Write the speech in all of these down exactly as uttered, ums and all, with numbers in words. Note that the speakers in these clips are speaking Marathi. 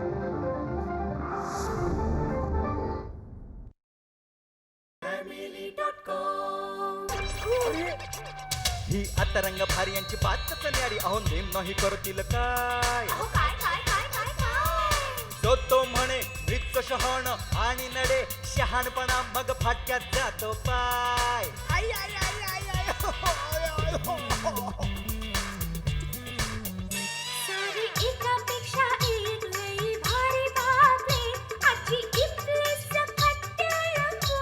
ही आता रंग भारी यांची बातच न्यारी. अहो नेम नाही करतील काय. जो तो म्हणे मृत शहाण आणि नडे शहाणपणा मग फाटक्यात जातो पाय. आई आई आई आई आई हो, हो, हो, हो, हो, हो. सारी एकापेक्षा एक लई भारी बातमी आजची इथली सकट रंगो.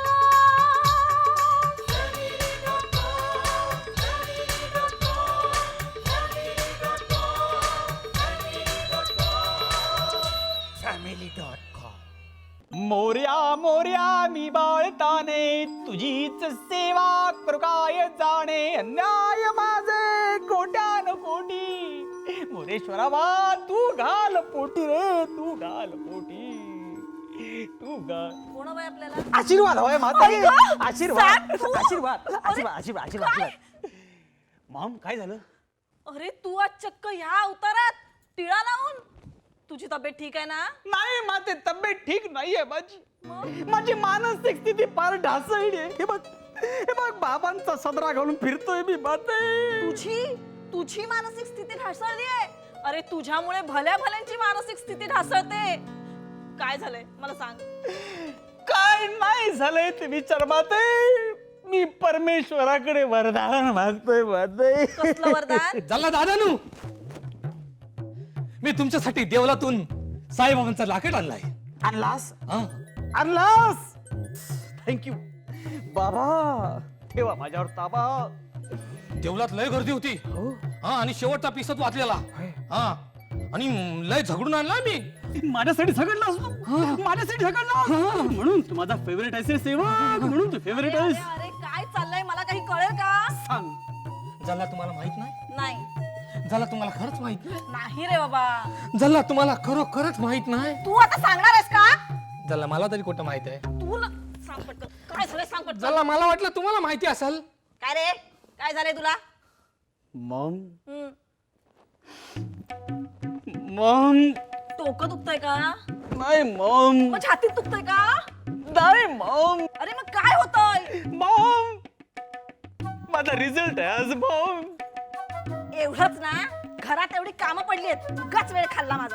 मोर्या मोर्या मी बाळताने तुझीच सेवा करू काय जाणे. अन्याय माझे कोट्यान कोटी मोरेश्वरा बा तू घाल पोटी रे तू घाल पोटी तू घाल. कोण बाय आपल्याला? आशीर्वाद होय माता आशीर्वाद आशीर्वाद आशीर्वाद अरे, आशीर्वाद आशीर्वाद. मॉम काय झालं? अरे तू आज चक्क ह्या अवतारात टिळा लावून. तुझी तब्येत ठीक आहे ना? नाही माते तब्येत ठीक नाहीये माझी. माझी मानसिक स्थिती फार ढासळली आहे. हे बघ हे बघ बाबांचा सदरा घालून फिरतोय मी माते. तुझी तुझी मानसिक स्थिती ढासळली आहे. अरे तुझ्यामुळे भल्या भल्यांची मानसिक स्थिती ढासळते. काय झालंय मला सांग. काय नाही झालंय ते विचार माते. मी परमेश्वराकडे वरदान मागतोय माते. कसलं वरदान? झाला दादानू, मी तुमच्यासाठी देवलातून साईबाबांचा लाकड आणलाय. आणलास हा? आणलास थँक्यू बाबा. ठेवा माझ्यावर ताबा. देवलात लय गर्दी होती. हा आणि शेवटचा पिसत वाचलेला. हा आणि लय झगडून आणला मी. माझ्यासाठी झगडलास तू. माझ्यासाठी झगडला म्हणून तू माझा फेवरेट आहेस सेवक. म्हणून तू फेवरेट अरे आहेस. अरे काय चाललंय मला काही कळेल का? सांग. झाला तुम्हाला माहित नाही? नाही झाला तुम्हाला खरंच माहित नाही? नाही रे बाबा. झाला तुम्हाला खरोखरच माहित नाही? तू आता सांगणार आहेस का? झाला मला तरी कुठं माहित आहे? तू ना सांग पटकन. काय झालंय सांग पटकन. झाला मला वाटलं तुम्हाला माहिती असेल. काय रे काय झालंय तुला? मॉम हम्म. मॉम डोकं दुखतंय का? नाही मॉम मग छातीत दुखतंय का? नाही मॉम. अरे मग काय होतंय? मॉम माझा रिझल्ट आहे आज मॉम. एवढंच ना? घरात एवढी कामं पडली आहेत. उगाच वेळ खाल्ला माझा.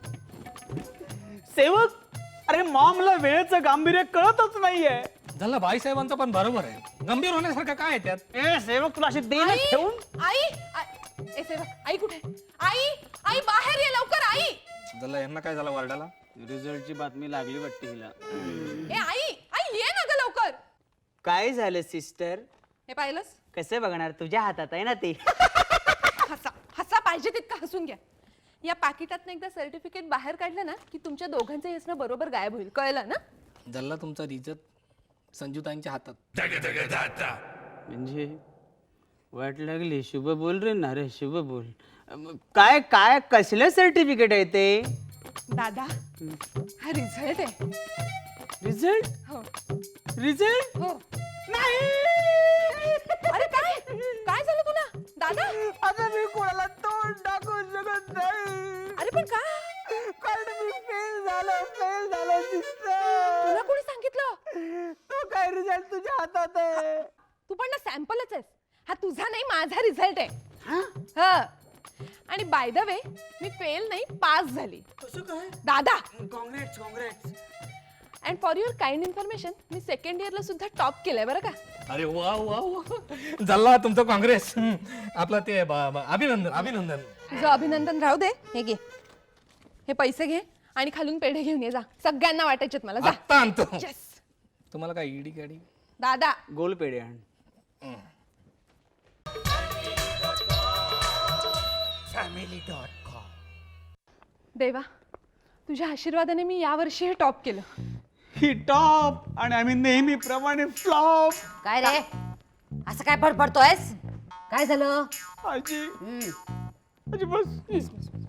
सेवक अरे मॉमला वेळेचं गांभीर्य कळतच नाहीये. झाला बाईसाहेबांचं पण बरोबर आहे. गंभीर होण्यासारखं काय आहे त्यात? ए सेवक तुला अशी देणं ठेवून. आई ए सेवा आई कुठे? आई आई बाहेर ये लवकर आई. झाला यांना काय झालं वार्डाला? रिझल्टची बातमी लागली वाटते हिला. ए आई आई ये ना ग लवकर. काय झालं सिस्टर? हे पाहिलंस? कसं बघणार, तुझ्या हातात आहे ना ते. हसा हसा पाहिजे तितका हसून घ्या. या पाकिटात एकदा सर्टिफिकेट बाहेर काढलं ना की तुमच्या दोघांचं हसणं बरोबर गायब होईल. कळलं ना? झाला तुमचा रिझल्ट संजूताईंच्या हातात. म्हणजे वाट लागली. शुभ बोल रे ना रे, शुभ बोल. अम, काय काय कसलं सर्टिफिकेट आहे ते? दादा हा रिझल्ट आहे. रिझल्ट? हो रिझल्ट? हो. अरे काय काय झालं तुला दादा? आता मी कोणाला तोंड टाकू शकत नाही. अरे पण का? कारण मी फेल झालो फेल झालो सिस्टर. तुला कोणी सांगितलं? तो काय रिझल्ट तुझ्या हातात आहे. तू पण ना सॅम्पलच आहेस. हा तुझा नाही माझा रिझल्ट आहे. हा आणि बाय द वे मी फेल नाही पास झाली. कसं काय? दादा congrats congrats. And for your kind information मी सेकंड इयरला सुद्धा टॉप केलंय बरं का. अरे वा वा वा. झाला तुमचं काँग्रेस. आपलं ते ब- ब- अभिनंदन अभिनंदन. तुझं अभिनंदन राहू दे. हे घे हे पैसे घे आणि खालून पेढे घेऊन ये जा. सगळ्यांना वाटायचेत मला. जा. आत्ता आणतो. Yes. तुम्हाला काय ईडी गाडी? दादा गोल पेढे आण. देवा तुझ्या आशीर्वादाने मी यावर्षी हे टॉप केलं. ही टॉप आणि आम्ही नेहमीप्रमाणे फ्लॉप. काय रे असं काय बडबडतोयस? काय झालं? आजी आजी बस.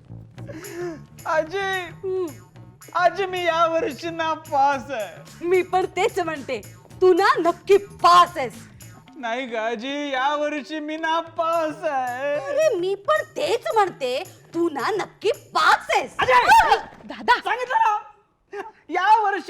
आजी आजी मी या वर्षी ना पास आहे. मी पण तेच म्हणते तू ना नक्की पास आहेस. नाही ग आजी या वर्षी मी ना पास आहे. अरे मी पण तेच म्हणते तू ना नक्की पास आहेस. दादा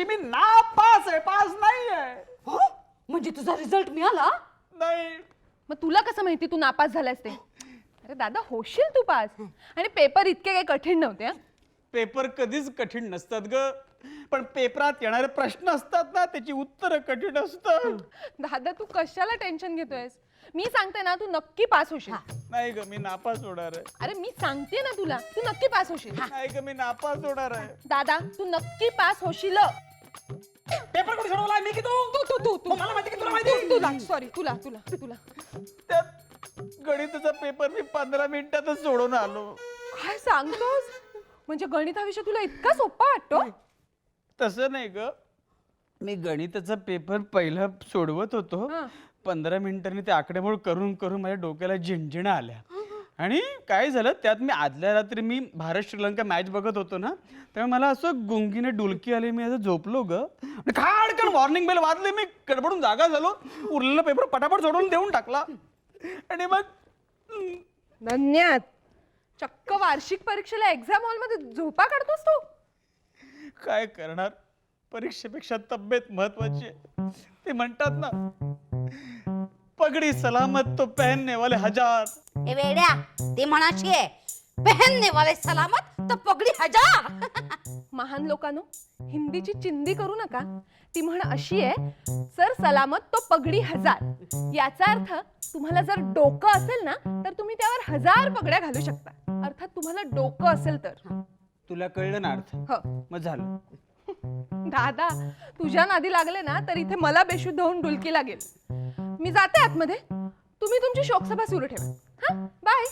वर्षी मी नापास आहे, पास नाही आहे. हो म्हणजे तुझा रिझल्ट मिळाला? नाही. मग तुला कसं माहिती तू नापास झालास ते? अरे दादा होशील तू पास. आणि पेपर इतके काही कठीण नव्हते. हं? पेपर कधीच कठीण नसतात ग, पण पेपरात येणारे प्रश्न असतात ना त्याची उत्तरं कठीण असतात. दादा तू कशाला टेन्शन घेतोयस? मी सांगते ना तू नक्की पास होशील. नाही ग, मी नापास होणार आहे. अरे मी सांगते ना तुला तू नक्की पास होशील. नाही ग, मी नापास होणार आहे. दादा तू नक्की पास होशील. पेपर कोणी सोडवला मी की तू? तू तू तू तू मला माहिती की तुला माहिती. तुला सॉरी तुला तुला तुला त्यात गणिताचा पेपर मी पंधरा मिनिटातच सोडून आलो. काय सांगतोस? म्हणजे गणित हा विषय तुला इतका सोपा वाटतो? तसं नाही ग, मी गणिताचा पेपर पहिला सोडवत होतो. हं. पंधरा मिनिटांनी ते आकडेमोड करून करून माझ्या डोक्याला झिणझिण्या आल्या. आणि काय झालं त्यात मी आदल्या रात्री मी भारत श्रीलंका मॅच बघत होतो ना, त्यामुळे मला असं गुंगीने डुलकी आली. मी असं झोपलो ग आणि खाडकन वॉर्निंग बेल वाजली. मी गडबडून जागा झालो, उरलेला पेपर पटापट सोडून देऊन टाकला. आणि मग हम्म, धन्यवाद. चक्क वार्षिक परीक्षेला एक्झाम हॉल मध्ये झोपा काढतोस तू? काय करणार, परीक्षेपेक्षा तब्येत महत्वाची आहे. ते म्हणतात ना, पगडी सलामत तो पहनने वाले हजार. ए वेड्या, ते म्हणाची आहे, पहनने वाले सलामत तो पगडी हजार. महान लोकांनो हिंदीची चिंदी करू नका. ती म्हण अशी आहे, सर सलामत तो पगडी हजार. याचा अर्थ तुम्हाला जर डोकं असेल ना तर तुम्ही त्यावर हजार पगड्या घालू शकता. अर्थात तुम्हाला डोकं असेल तर. तुला कळलं ना अर्थ? हो. मग झालं. दादा तुझ्या नादी लागले ना तर इथे मला बेशुद्ध होऊन डुलकी लागेल. मी जाते आतमध्ये, तुम्ही तुमची शोकसभा सुरू ठेवा. हा बाय.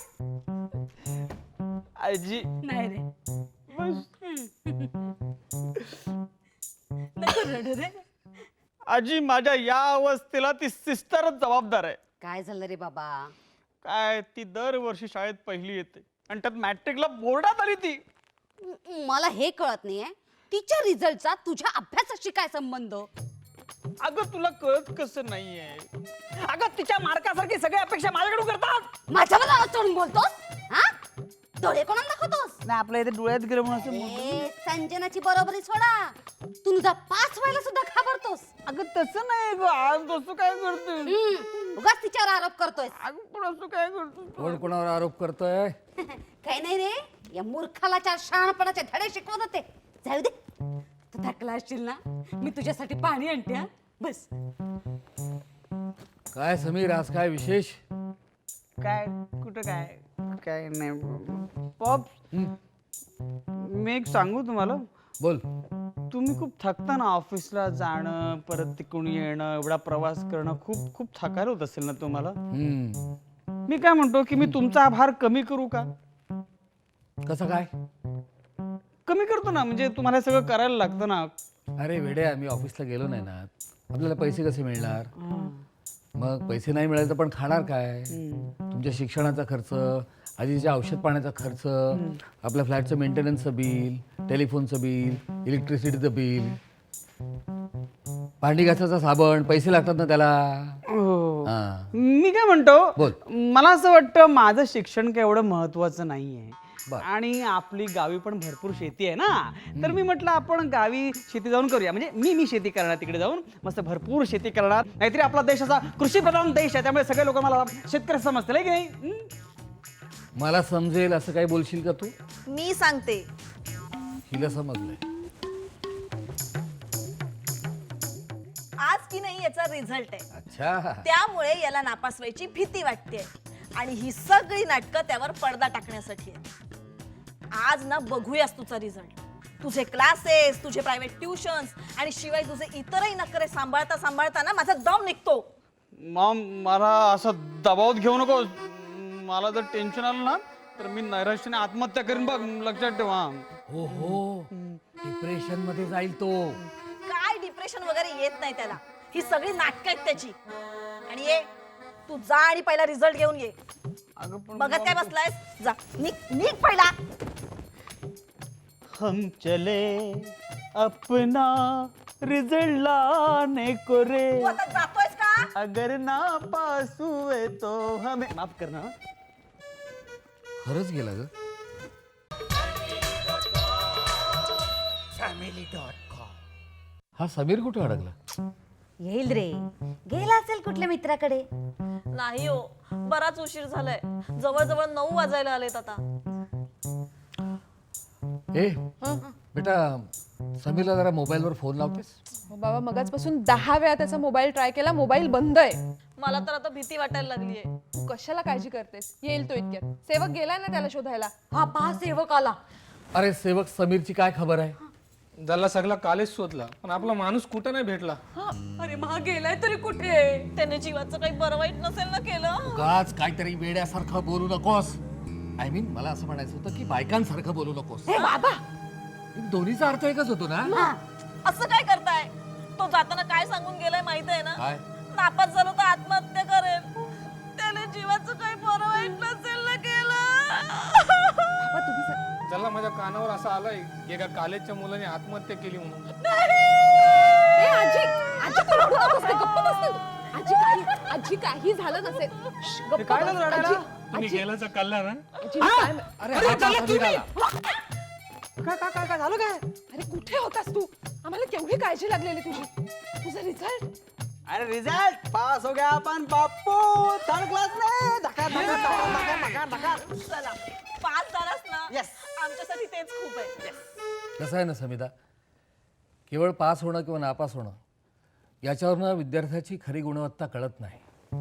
आजी नाही रे बस. नको रडू रे. आजी माझ्या या अवस्थेला ती सिस्टरच जबाबदार आहे. काय झालं रे बाबा? काय ती दरवर्षी शाळेत पहिली येते आणि त्यात मॅट्रिकला बोर्डात आली ती. म- मला हे कळत नाहीये, तिच्या रिझल्टचा तुझ्या अभ्यासाशी काय संबंध? अगं तुला कळत कसं नाहीये? अगं तिच्या मार्कासारखी सगळी अपेक्षा माझ्याकडून करतात. माझ्यावर नाव चढून बोलतोस? हा डोळे कोणाला दाखवतोस? नाही आपल्या इथे डोळ्यात गेलं म्हणून असं ए, संजनाची बरोबरी सोडा, तू तुझा पास व्हायला सुद्धा घाबरतोस. अगं तसं नाही ग, आज तसं काय करते? हम्म, उगाच तिच्यावर आरोप करतोय. अगं पण असं काय करतो? कोण कोणावर आरोप करतोय? काही नाही रे, या मूर्खाला चार शहाणपणाचे धडे शिकवत होते. जाऊ दे, तू थकला असशील ना, मी तुझ्यासाठी पाणी आणते. हा? बस. काय समीर, आज काय विशेष? काय कुठं काय काय नाही पॉप. मी एक सांगू तुम्हाला, बोल. तुम्ही खूप थकता ना, ऑफिसला जाणं परत तिकडून येणं, एवढा प्रवास करणं खूप खूप थकायला होत असेल ना तुम्हाला. हम्म. मी काय म्हणतो की मी तुमचा आभार कमी करू का? कसं काय? कमी करतो ना, म्हणजे तुम्हाला हे सगळं करायला लागतं ना. अरे वेड्या, मी ऑफिसला गेलो नाही ना, आपल्याला पैसे कसे मिळणार? मग पैसे नाही मिळाले तर पण खाणार काय? तुमच्या शिक्षणाचा खर्च, आजीच्या औषध पाण्याचा खर्च, आपल्या फ्लॅटचं मेंटेनन्सचं बिल, टेलिफोनचं बिल, इलेक्ट्रिसिटीचं बिल, भांडी घासाचा साबण, पैसे लागतात ना त्याला. हो. हा. मी काय म्हणतो, बोल. मला असं वाटतं माझं शिक्षण काय एवढं महत्वाचं नाहीये. बर. आणि आपली गावी पण भरपूर शेती आहे ना, तर मी म्हटलं आपण गावी शेती जाऊन करूया. म्हणजे मी मी शेती करणार, तिकडे जाऊन मस्त भरपूर शेती करणार. नाहीतरी आपला देश असा कृषी प्रधान देश आहे, त्यामुळे सगळे लोक मला शेतकरी समजतील की नाही. हं? मला समजेल असं काही बोलशील का तू? मी सांगते, हिला समजलंय. आज की नाही याचा रिझल्ट आहे, अच्छा. त्यामुळे याला नापास व्हायची भीती वाटते. आणि ही सगळी नाटकं त्यावर पडदा टाकण्यासाठी आहेत. आज ना बघूयास तुझा रिझल्ट, तुझे क्लासेस, तुझे प्रायव्हेट ट्युशन्स आणि शिवाय तुझे इतरही नखरे सांभाळता सांभाळता ना माझा दम निघतो. मॉम, मला असं दबावात घेऊ नको. मला जर टेन्शन आलं ना तर मी नैराश्याने आत्महत्या करीन बघ, लक्षात ठेवा. हो हो, डिप्रेशन मध्ये जाईल तो. काय डिप्रेशन वगैरे येत नाही त्याला, ही सगळी नाटकं आहेत त्याची. आणि ये तू जा आणि पहिला रिझल्ट घेऊन ये. अगं पण बघत काय बसलायस, जा निघ निघ पहिला. हम चले अपना रिजल्ट लाने को रे, तू आता जातोयस का? अगर ना पास हुए तो हमें माफ करना. खरंच गेला ग. फॅमिली डॉट कॉम हा समीर कुठे अडकला? येईल रे, गेला असेल कुठल्या मित्राकडे. नाही हो, बराच उशीर झालाय. जवळजवळ नऊ वाजायला आलेत आता. ए बेटा, समीरला जरा मोबाईलवर फोन लावतेस? हो बाबा, मगाचपासून दहा वेळा त्याचा मोबाईल ट्राय केला, मोबाईल बंद आहे. मला तर आता भीती वाटायला लागलीये. तू कशाला काळजी करतेस? येईल तो इतक्यात. सेवक गेलाय ना त्याला शोधायला. हा पहा, सेवक आला. अरे सेवक, समीरची काय खबर आहे? झाला सगळा कालेच शोधला पण आपला माणूस कुठं नाही भेटला. अरे महा गेलाय तरी कुठे? त्याने जीवाचं काही बरं वाईट नसेल ना केलं. उगाच काहीतरी वेड्यासारखं बोलू नकोस. आय मीन मला असं म्हणायचं होतं की बायकांसारखं बोलू नकोस. हे बाबा, दोन्हीचा अर्थ एकच होतो ना. असं काय करताय? तो जाताना काय सांगून गेलाय माहित आहे ना? काय? नापास झालो तर आत्महत्या करेल. त्याने जीवाचं काही बरं वाईट नसेल ना केलं. बाबा, तुम्ही स- त्याला माझ्या कानावर असं आलंय की एका कॉलेजच्या मुलाने आत्महत्या केली म्हणून. ए, आजी आजी तू रडू नकोस ते, गप्प बस तू. आजी काही आजी काही झालं नसेल. श्श, गप्प काय बस. झालं रडायला? आजी- तुम्ही गेल्याचा कल्ला ना. आजी, मी काय म्हण- अरे हा पहा समीर आला. काय काय काय काय झालं काय? अरे कुठे होतास तू? आम्हाला केवढी काळजी लागलेली तुझी. तुझा रिझल्ट अरे रिझल्ट पास हो गया अपन बापू, थर्ड क्लास में. धका धका धका धका धका. चला, पास झालास ना. Yes. आमच्यासाठी तेच खूप आहे. कसं आहे ना समिता, केवळ पास होणं किंवा नापास होणं याच्यावरनं विद्यार्थ्याची खरी गुणवत्ता कळत नाही.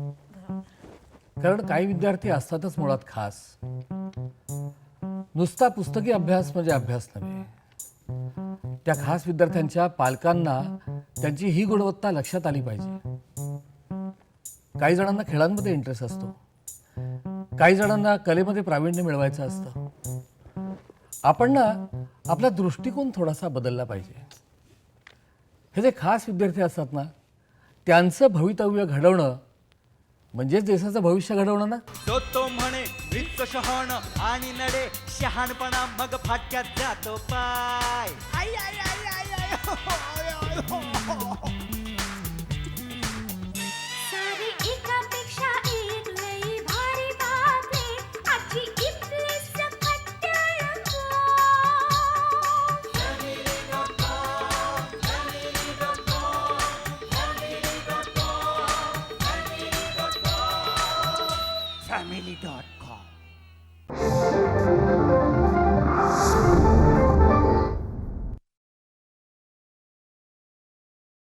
कारण काही विद्यार्थी असतातच मुळात खास. नुसता पुस्तकी अभ्यास म्हणजे अभ्यास नव्हे. त्या खास विद्यार्थ्यांच्या पालकांना त्यांची ही गुणवत्ता लक्षात आली पाहिजे. काही जणांना खेळांमध्ये इंटरेस्ट असतो, काही जणांना कलेमध्ये प्रावीण्य मिळवायचं असतं. आपण ना आपला दृष्टिकोन थोडासा बदलला पाहिजे. हे जे खास विद्यार्थी असतात ना, त्यांचं भवितव्य घडवणं म्हणजेच देशाचं भविष्य घडवणं ना. तो तो म्हणे वृत्त शहाण आणि नडे शहाणपणा मग फाटक्यात जातो पाय. आई, आई, आई, आई, आई, हो, आय, आय, हो, हो. सारी एकापेक्षा एक लई भारी बातमी आजची इथली सकट रंगो. Family dot